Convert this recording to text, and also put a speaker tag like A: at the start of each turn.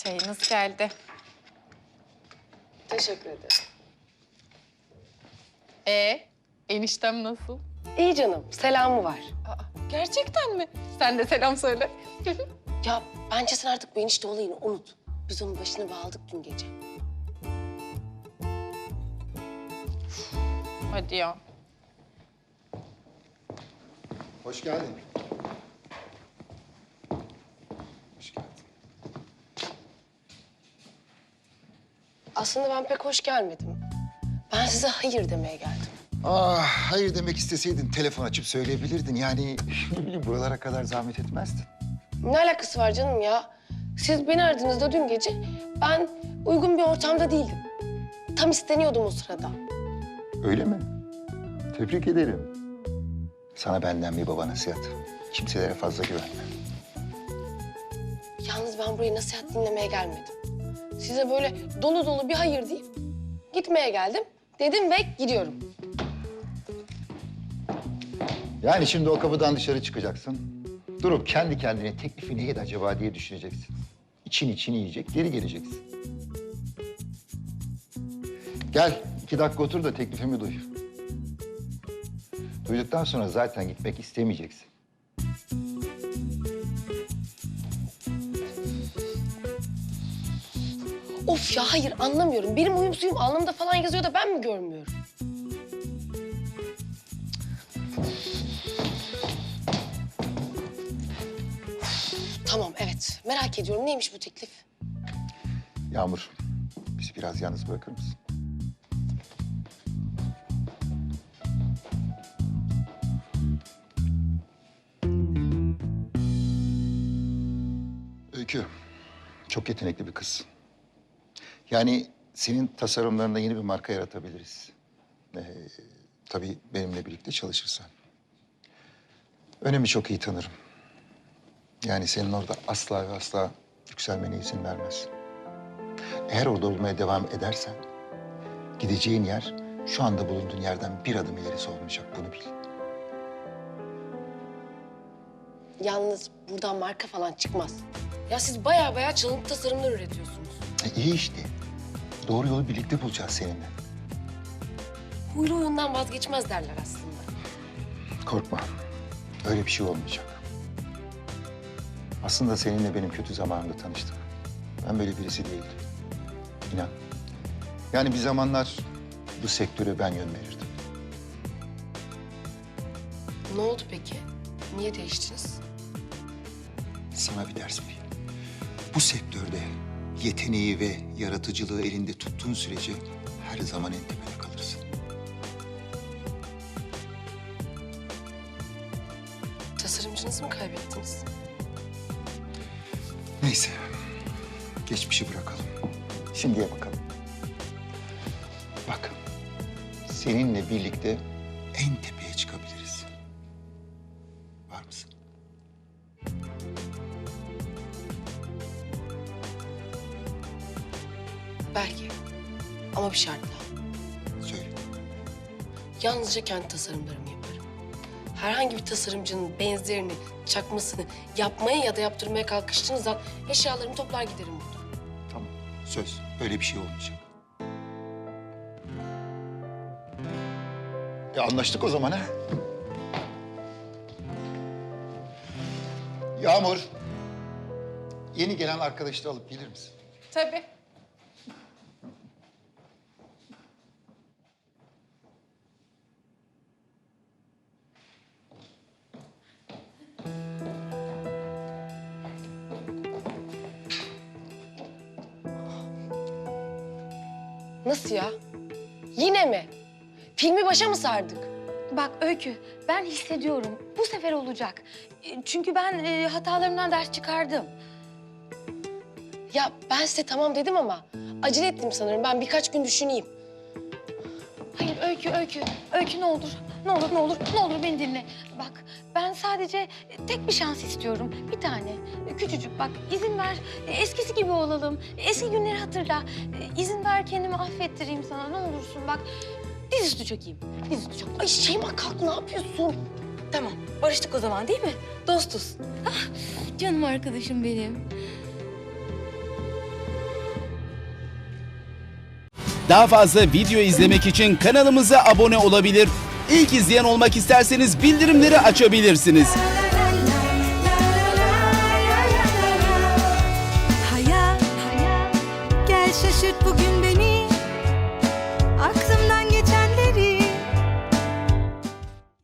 A: Çayınız geldi.
B: Teşekkür ederim.
A: Eniştem nasıl?
B: İyi canım, selamı var.
A: Gerçekten mi? Sen de selam söyle.
B: Ya bence sen artık bu enişte olayını unut. Biz onun başını bağladık dün gece.
A: Hadi ya.
C: Hoş geldin. Hoş geldin.
B: Aslında ben pek hoş gelmedim. Ben size hayır demeye geldim.
C: Hayır demek isteseydin telefon açıp söyleyebilirdin. Yani ne bileyim buralara kadar zahmet etmezdin.
B: Ne alakası var canım ya? Siz beni aradığınızda dün gece ben uygun bir ortamda değildim. Tam isteniyordum o sırada.
C: Öyle mi? Tebrik ederim. Sana benden bir baba nasihat. Kimselere fazla güvenme.
B: Yalnız ben buraya nasihat dinlemeye gelmedim. Size böyle dolu dolu bir hayır deyip gitmeye geldim. Dedim ve gidiyorum.
C: Yani şimdi o kapıdan dışarı çıkacaksın. Durup kendi kendine teklifi neydi acaba diye düşüneceksin. İçini yiyecek, geri geleceksin. Gel, 2 dakika otur da teklifimi duy. Duyduktan sonra zaten gitmek istemeyeceksin.
B: Of ya hayır anlamıyorum. Benim uyum suyum alnımda falan yazıyor da ben mi görmüyorum? Tamam evet merak ediyorum neymiş bu teklif?
C: Yağmur, bizi biraz yalnız bırakır mısın? Öykü, çok yetenekli bir kız. Yani senin tasarımlarında yeni bir marka yaratabiliriz. Tabii benimle birlikte çalışırsan. Önemi çok iyi tanırım. Yani senin orada asla ve asla yükselmene izin vermez. Eğer orada olmaya devam edersen gideceğin yer şu anda bulunduğun yerden bir adım ilerisi olmayacak. Bunu bil.
B: Yalnız buradan marka falan çıkmaz. Ya siz baya çalıntı tasarımlar üretiyorsunuz.
C: İyi işte. Doğru yolu birlikte bulacağız seninle.
B: Huylu huyundan vazgeçmez derler aslında.
C: Korkma. Öyle bir şey olmayacak. Aslında seninle benim kötü zamanımda tanıştık. Ben böyle birisi değildim. İnan. Yani bir zamanlar bu sektöre ben yön verirdim.
B: Ne oldu peki? Niye değiştiniz?
C: Sana bir ders vereyim. Bu sektörde yeteneği ve yaratıcılığı elinde tuttuğun sürece her zaman en tepede kalırsın.
B: Tasarımcınızı mı kaybettiniz?
C: Neyse. Geçmişi bırakalım. Şimdiye bakalım. Bak. Seninle birlikte en tepeye çıkabiliriz. Var mısın?
B: Belki. Ama bir şartla.
C: Söyle.
B: Yalnızca kendi tasarımlarımı yaparım. Herhangi bir tasarımcının benzerini, çakmasını yapmaya ya da yaptırmaya kalkıştığınız an eşyalarımı toplar giderim buradan.
C: Tamam. Söz. Öyle bir şey olmayacak. Anlaştık o zaman ha? Yağmur. Yeni gelen arkadaşı da alıp gelir misin?
A: Tabii.
B: Nasıl ya? Yine mi? Filmi başa mı sardık?
D: Bak Öykü, ben hissediyorum. Bu sefer olacak. Çünkü ben hatalarımdan ders çıkardım.
B: Ya ben size tamam dedim ama acele ettim sanırım. Ben birkaç gün düşüneyim.
D: Hayır Öykü. Öykü ne olur. Ne olur beni dinle. Bak ben sadece tek bir şans istiyorum. Bir tane. Küçücük bak izin ver. Eskisi gibi olalım. Eski günleri hatırla. İzin ver kendimi affettireyim sana ne olursun bak. Dizüstü çökeyim. Dizüstü çök.
B: Ay Şeyma kalk ne yapıyorsun?
D: Tamam barıştık o zaman değil mi? Dostuz. Ah, canım arkadaşım benim.
E: Daha fazla video izlemek için kanalımıza abone olabilir. İlk izleyen olmak isterseniz bildirimleri açabilirsiniz.
F: Hayat, gel şaşırt bugün beni.